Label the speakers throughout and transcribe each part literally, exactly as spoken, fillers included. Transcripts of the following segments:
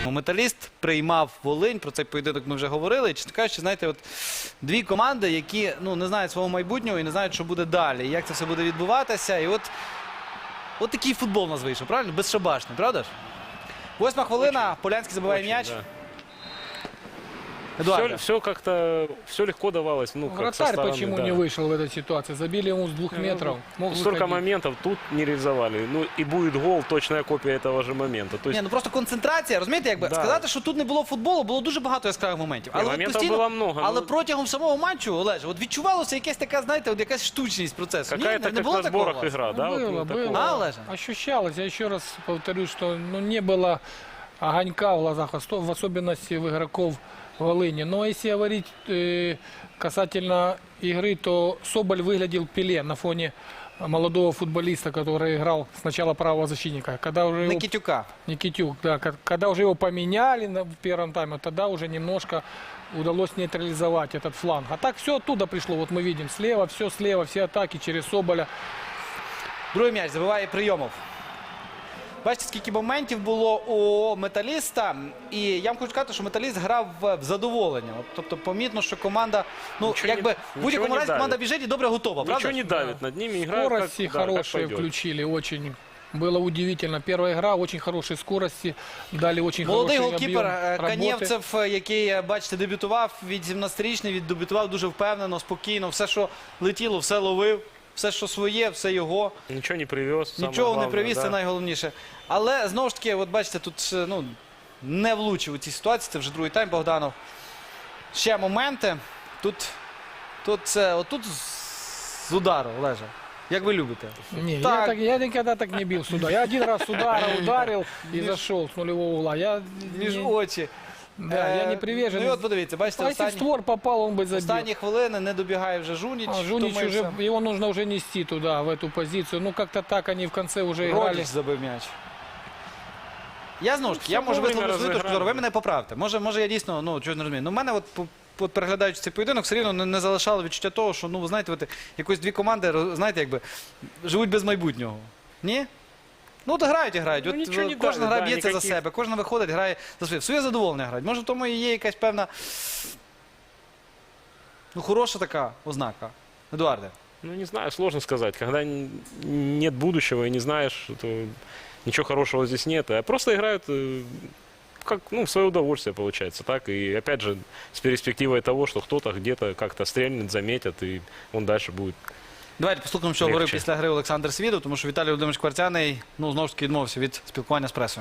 Speaker 1: Металіст приймав Волинь, про цей поєдинок ми вже говорили. Чесно кажучи, знаєте, от дві команди, які ну, не знають свого майбутнього і не знають, що буде далі, і як це все буде відбуватися. І от, от такий футбол у нас вийшов, правильно? Безшабашний, правда ж? Восьма хвилина, Полянський забиває м'яч.
Speaker 2: Да.
Speaker 1: Эдуард.
Speaker 2: Все, все как-то, все легко давалось. Ну, как со
Speaker 3: Вратарь
Speaker 2: стороны,
Speaker 3: почему
Speaker 2: да.
Speaker 3: не вышел в этой ситуации? Забили ему с двух метров. Мог
Speaker 2: Столько
Speaker 3: выходить.
Speaker 2: моментов тут не реализовали. Ну и будет гол, точная копия этого же момента. То есть,
Speaker 1: Ні, ну просто концентрація, розумієте, якби
Speaker 2: Да.
Speaker 1: сказати, що тут не було футболу, було дуже багато яскравих моментів.
Speaker 2: Ні,
Speaker 1: Але, от
Speaker 2: моментів
Speaker 1: постійно,
Speaker 2: було много,
Speaker 1: але
Speaker 2: ну-
Speaker 1: протягом самого матчу, Олеже, от відчувалося якась така, знаєте, от якась штучність процесу. Ні,
Speaker 2: какая-то
Speaker 1: не, не
Speaker 2: как
Speaker 1: було
Speaker 2: на
Speaker 1: такого у
Speaker 2: сборах
Speaker 1: вас?
Speaker 2: игра, да?
Speaker 3: Было,
Speaker 2: вот, ну,
Speaker 3: было.
Speaker 2: такого.
Speaker 1: А, Олеже?
Speaker 3: Ощущалось, я еще раз повторюсь, что ну, не было огонька в глазах, осто- в особенности в игроков Волыни. Но если говорить э, касательно игры, то Соболь выглядел Пеле на фоне молодого футболиста, который играл сначала правого защитника. Когда уже его...
Speaker 1: Никитюка.
Speaker 3: Никитюк, да. ка- Когда уже его поменяли на- в первом тайме, тогда уже немножко удалось нейтрализовать этот фланг. А так все оттуда пришло. Вот мы видим, слева, все слева, все атаки через Соболя.
Speaker 1: Другий м'яч забиває Прийомов. Бачите, скільки моментів було у Металіста. І я вам хочу сказати, що Металіст грав в в задоволення. От, тобто, помітно, що команда, ну,
Speaker 2: Нічого
Speaker 1: якби
Speaker 2: не-
Speaker 1: в будь-якому
Speaker 2: нічого не
Speaker 1: разі команда
Speaker 2: давить.
Speaker 1: біжить і добре готова, правда?
Speaker 2: Ничего не
Speaker 1: ж?
Speaker 2: давит над ними, играют как,
Speaker 3: Скорости
Speaker 2: да, как
Speaker 3: хорошие
Speaker 2: пойдет.
Speaker 3: включили, очень. Было удивительно. Первая игра, очень хорошей скорости, дали очень
Speaker 1: Молодий
Speaker 3: хороший
Speaker 1: голкіпер
Speaker 3: объем
Speaker 1: е,
Speaker 3: работы.
Speaker 1: Канєвцев, е, який, е, бачите, дебютував від сімнадцятирічний, віддебютував дуже впевнено, спокійно. Все, що летіло, все ловив. Все, що своє, все його.
Speaker 2: Ничего не привез. самое
Speaker 1: Нічого не
Speaker 2: главное,
Speaker 1: привіз,
Speaker 2: да.
Speaker 1: це найголовніше. Але, знову ж таки, от бачите, тут е, ну, не влучив у цій ситуації. Це вже другий тайм, Богданов. Ще моменти. Тут, тут, це, отут з- з удару, Олеже. Як ви любите?
Speaker 3: Не, я,
Speaker 1: Так.
Speaker 3: так, я никогда так не бил сюда. Я один раз с удара ударил и зашел с нулевого угла. Я,
Speaker 1: Між
Speaker 3: не,
Speaker 1: очі.
Speaker 3: да, я
Speaker 1: Е,
Speaker 3: не привержен.
Speaker 1: Ну і от подивіться, бачите,
Speaker 3: А если в
Speaker 1: останні,
Speaker 3: створ попал, он бы забил.
Speaker 1: останні хвилини не добігає вже Жуніч.
Speaker 3: А, Жунич
Speaker 1: втомився.
Speaker 3: уже, его нужно уже нести туда, в эту позицию. Ну, как-то так они в конце уже играли.
Speaker 1: Родич забив м'яч. Я знову ж таки, я
Speaker 2: все
Speaker 1: можу
Speaker 2: вовремя
Speaker 1: висловити свою точку
Speaker 2: розіграли.
Speaker 1: зору, ви мене поправте. Може, може я дійсно, ну, чого не розумію. Ну, в мене от, по- от переглядаючи цей поєдинок, все рівно не, не залишало відчуття того, що, ну, ви знаєте, от, якось дві команди, роз- знаєте, якби, живуть без майбутнього. Ні? Ну, от грають і грають.
Speaker 2: Ну,
Speaker 1: От,
Speaker 2: нічого не
Speaker 1: кожна
Speaker 2: давить,
Speaker 1: гра
Speaker 2: да,
Speaker 1: б'ється за
Speaker 2: ніяких-
Speaker 1: себе, кожна виходить, грає за своє. В своє задоволення грають. Може, в тому і є якась певна, ну, хороша така ознака. Едуарде.
Speaker 2: Ну, не знаю, сложно сказать. Когда н- нет будущего и не знаешь, то ничего хорошего здесь нет. А просто играют э, как, ну, в свое удовольствие, получается. Так? И опять же, с перспективой того, что кто-то где-то как-то стрельнет, заметит, и он дальше будет.
Speaker 1: Давайте послухаємо, що
Speaker 2: Легче.
Speaker 1: говорив після гри Олександр Свідов, тому що Віталій Володимирович Кварцяний, ну, знову ж таки відмовився від спілкування з пресою.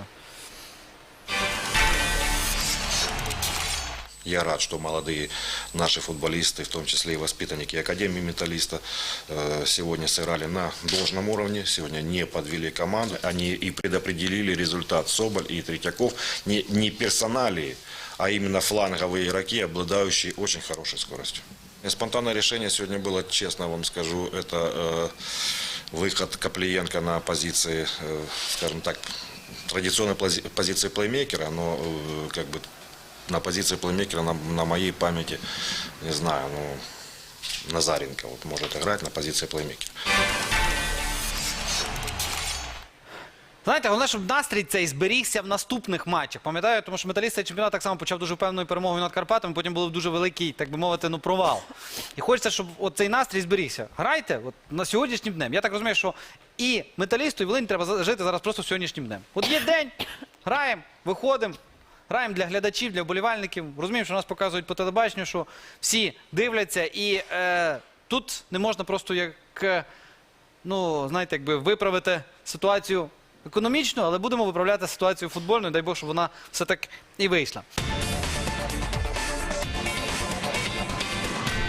Speaker 4: Я рад, что молодые наши футболисты, в том числе и воспитанники Академии Металлиста, э, сегодня сыграли на должном уровне, сегодня не подвели команду. Они и предопределили результат. Соболь и Третьяков не, не персоналии, а именно фланговые игроки, обладающие очень хорошей скоростью. И спонтанное решение сегодня было, честно вам скажу, это э, выход Коплиенко на позиции, э, скажем так, традиционной пози- позиции плеймейкера, но э, как бы на позиции плеймейкера на, на моей памяти, не знаю, ну, Назаренко вот может играть на позиции плеймейкера.
Speaker 1: Знаєте, головне, щоб настрій цей зберігся в наступних матчах. Пам'ятаю, тому що Металіст цей чемпіонат так само почав дуже впевненою перемогою над Карпатами, потім був дуже великий, так би мовити, ну, провал. І хочеться, щоб от цей настрій зберігся. Грайте от, на сьогоднішнім днем. Я так розумію, що і Металісту, і Волині треба за- жити зараз просто сьогоднішнім днем. От є день, граємо, виходимо, граємо для глядачів, для вболівальників. Розуміємо, що нас показують по телебаченню, що всі дивляться. І е, тут не можна просто як, е, ну, знаєте, якби виправити ситуацію економічно, але будемо виправляти ситуацію футбольну, дай Бог, щоб вона все так і вийшла.